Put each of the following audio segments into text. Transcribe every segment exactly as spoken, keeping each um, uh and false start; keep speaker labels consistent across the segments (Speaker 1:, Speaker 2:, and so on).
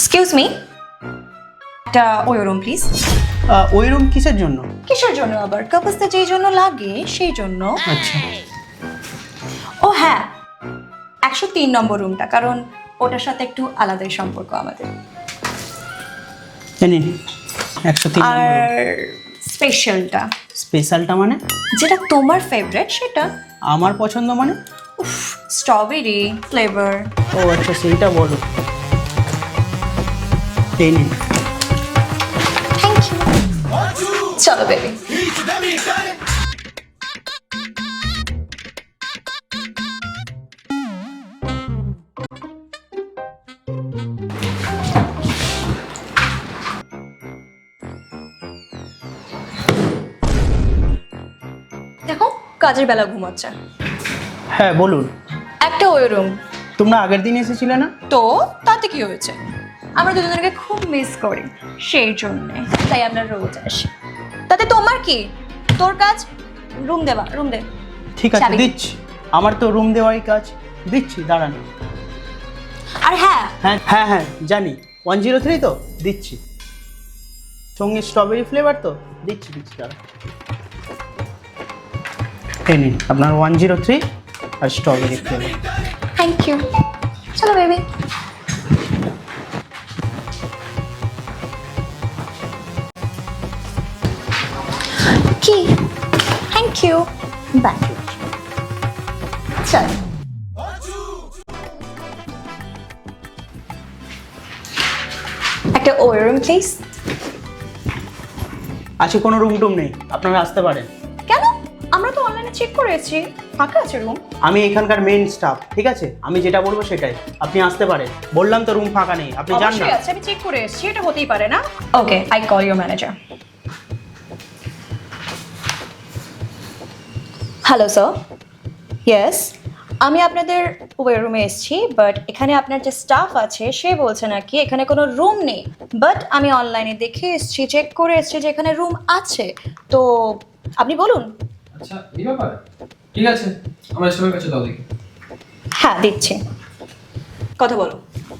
Speaker 1: Excuse me, একটা ওই room please.
Speaker 2: ওই রুম কিসের জন্য?
Speaker 1: কিসের জন্য আবার? কাপলসটা যেই জন্য লাগে সেই জন্য।
Speaker 2: আচ্ছা,
Speaker 1: ও হ্যাঁ, একশো তিন নম্বর রুমটা, কারণ ওটার সাথে একটু আলাদাই সম্পর্ক আমাদের।
Speaker 2: জানি একশো তিন
Speaker 1: আর স্পেশালটা?
Speaker 2: স্পেশালটা মানে?
Speaker 1: যেটা তোমার ফেভারিট সেটা।
Speaker 2: আমার পছন্দ মানে?
Speaker 1: Strawberry flavour.
Speaker 2: ও আচ্ছা, সেইটা বলো। এই নিন।
Speaker 1: Thank you. চলো বেবি। দেখো কাজের বেলা ঘুমাচ্ছে।
Speaker 2: হ্যাঁ বলুন।
Speaker 1: একটা ওই রুম।
Speaker 2: তোমরা আগের দিন এসেছিলে না?
Speaker 1: তো তাতে কি হয়েছে? আমরা দুজনকে খুব মিস করি, সেই জন্যে তাই আমরা রোজ আসি। তাতে তোমার কি? তোর কাজ রুম দেওয়া, রুম দে।
Speaker 2: ঠিক আছে
Speaker 1: চাবি।
Speaker 2: দিচ্ছি, আমার তো রুম দেওয়াই কাজ। দিচ্ছি, দাঁড়ান।
Speaker 1: আর হ্যাঁ,
Speaker 2: হ্যাঁ হ্যাঁ হ্যাঁ জানি, ওয়ান জিরো থ্রি তো দিচ্ছি, সঙ্গে স্ট্রবেরি ফ্লেভার তো দিচ্ছি দিচ্ছি দাঁড়ান। এই নিন আপনার ওয়ান জিরো থ্রি আর স্ট্রবেরি ফ্লেভার।
Speaker 1: Thank you. চলো বেবি। কি? Thank you. বাই। চল। একটা ওই রুম প্লিজ।
Speaker 2: আচ্ছা, কোনো রুম টুম নেই, আপনারা আসতে পারেন।
Speaker 1: কেন? আমরা তো অনলাইনে চেক করেছি, ফাঁকা আছে রুম।
Speaker 2: আমি এখানকার মেইন স্টাফ, ঠিক আছে? আমি যেটা বলবো সেটাই, আপনি আসতে পারেন। বললাম তো রুম ফাঁকা নেই, আপনি যান না।
Speaker 1: অবশ্যই আছে, আমি চেক করে এসেছি, এটা হতেই পারে না। Okay, I call your manager. Hello sir. Yes, আমি আপনাদের ওয়ে রুমে এসেছি, বাট এখানে আপনার যে স্টাফ আছে সে বলছে নাকি এখানে কোনো রুম নেই। বাট আমি অনলাইনে দেখে এসেছি, চেক করে এসেছি যে এখানে রুম আছে। তো আপনি বলুন।
Speaker 3: আচ্ছা, এই ব্যাপার। ঠিক আছে, আমার স্টাফের কাছে দাও দেখি।
Speaker 1: হ্যাঁ দিচ্ছি, কথা বলো।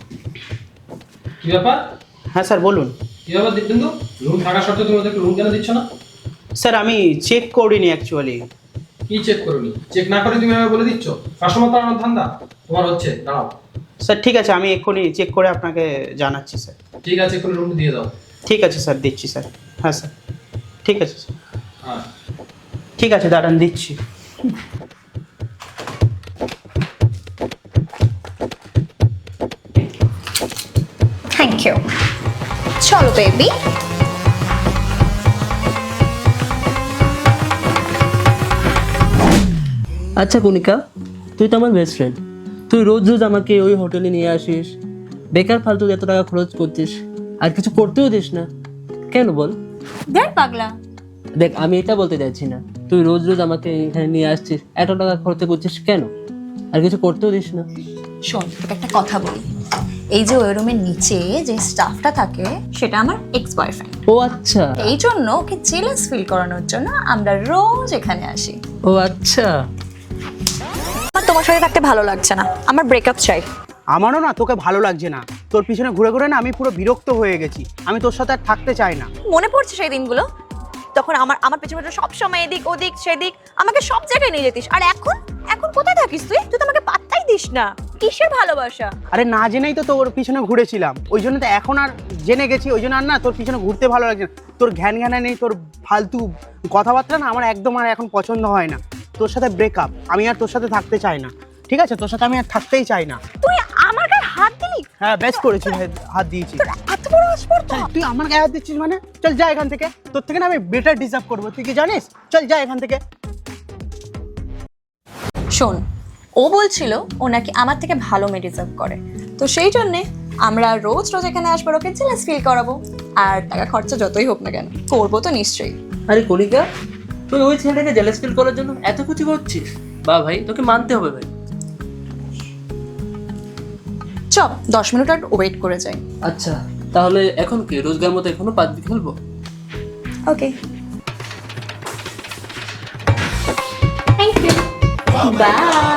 Speaker 3: কি ব্যাপার?
Speaker 2: হ্যাঁ স্যার বলুন।
Speaker 3: কি ব্যাপার দেখবেন তো, রুম থাকা সত্ত্বেও তুমি ওদেরকে রুম কেন দিচ্ছ না?
Speaker 2: স্যার আমি চেক করিনি অ্যাকচুয়ালি।
Speaker 3: কি চেক করোনি? চেক না করে তুমি আমাকে বলে দিচ্ছ? কাস্টমার তাড়ানোর ধান্দা তোমার হচ্ছে? দাঁড়াও।
Speaker 2: স্যার ঠিক আছে, আমি এক্ষুনি চেক করে আপনাকে জানাচ্ছি স্যার।
Speaker 3: ঠিক আছে, এখন রুম দিয়ে দাও।
Speaker 2: ঠিক আছে স্যার, দিচ্ছি স্যার। হ্যাঁ স্যার, ঠিক আছে স্যার।
Speaker 3: হ্যাঁ,
Speaker 2: ঠিক আছে দাঁড়ান, দিচ্ছি।
Speaker 1: Thank you. চলো বেবি।
Speaker 4: আচ্ছা কণিকা, তুই তো আমার বেস্ট ফ্রেন্ড, তুই রোজ রোজ আমাকে ওই হোটেলে নিয়ে আসিস, বেকার ফালতু এত টাকা খরচ করছিস, আর কিছু করতেও দিস না, কেন বল?
Speaker 1: দেখ পাগলা।
Speaker 4: দেখ আমি এটা বলতে চাইছি না, তুই রোজ রোজ আমাকে এখানে নিয়ে আসছিস, এত টাকা খরচ করছিস কেন, আর কিছু করতেও দিস না।
Speaker 1: শোন, তোকে একটা কথা বলি। এই যে ওই রুমের নিচে যে স্টাফটা থাকে সেটা আমার এক্স বয়ফ্রেন্ড।
Speaker 4: ও আচ্ছা,
Speaker 1: এই জন্য ওকে জেলাস ফিল করানোর জন্য আমরা রোজ এখানে আসি।
Speaker 4: ও আচ্ছা।
Speaker 1: আমার তোমার সাথে থাকতে ভালো লাগছে না, আমার ব্রেকআপ চাই।
Speaker 2: আমারও না তোকে ভালো লাগছে না, তোর পিছনে ঘুরে ঘুরে না আমি পুরো বিরক্ত হয়ে গেছি, আমি তোর সাথে আর থাকতে চাই না।
Speaker 1: মনে পড়ছে সেই দিনগুলো, তখন আমার আমার পেছনে পেছনে সবসময় এদিক ওদিক সেদিক আমাকে সব জায়গায় নিয়ে যেতিস। আর এখন এখন কোথায় থাকিস তুই? তুই তো আমাকে পাত্তাই দিস না। কিসের ভালোবাসা?
Speaker 2: আরে না জেনেই তো তোর পিছনে ঘুরেছিলাম, ওই জন্য তো এখন আর জেনে গেছি, ওই জন্য আর না তোর পিছনে ঘুরতে ভালো লাগছে না। তোর ঘ্যান ঘ্যানা নেই, তোর ফালতু কথাবার্তা না আমার একদম আর এখন পছন্দ হয় না। তোর সাথে ব্রেকআপ, আমি আর তোর সাথে থাকতে চাই না, ঠিক আছে? তোর সাথে আমি আর থাকতেই চাই না।
Speaker 1: তুই আমার গায়ে হাত দিলি?
Speaker 2: হ্যাঁ বেশ করেছি, হাত দিয়েছি।
Speaker 1: তোর এত বড় আসপর্দা!
Speaker 2: তুই আমার গায়ে হাত দিচ্ছিস মানে? চল যা এখান থেকে, তোর থেকে না আমি বেটার ডিজার্ভ করবো, তুই কি জানিস? চল যা এখান থেকে।
Speaker 1: শোন, ও বলছিল ও নাকি আমার থেকে ভালো মেয়ে ডিজার্ভ করে, তো সেই জন্যে আমরা রোজ রোজ এখানে আসবো, ওকে জেলাস ফিল করাবো। আর টাকা খরচা যতই হোক না কেন করবো তো নিশ্চয়ই।
Speaker 4: আরে কণিকা, তুই ওই ছেলেটাকে জেলাস ফিল করার জন্য এত কিছু করছিস? বা ভাই, তোকে মানতে হবে ভাই।
Speaker 1: চল দশ মিনিট আর ওয়েট করে যাই।
Speaker 4: আচ্ছা তাহলে এখন কি রোজগার মতো এখনো পাঁচ দিন খেলবো?
Speaker 1: Okay, thank you, by.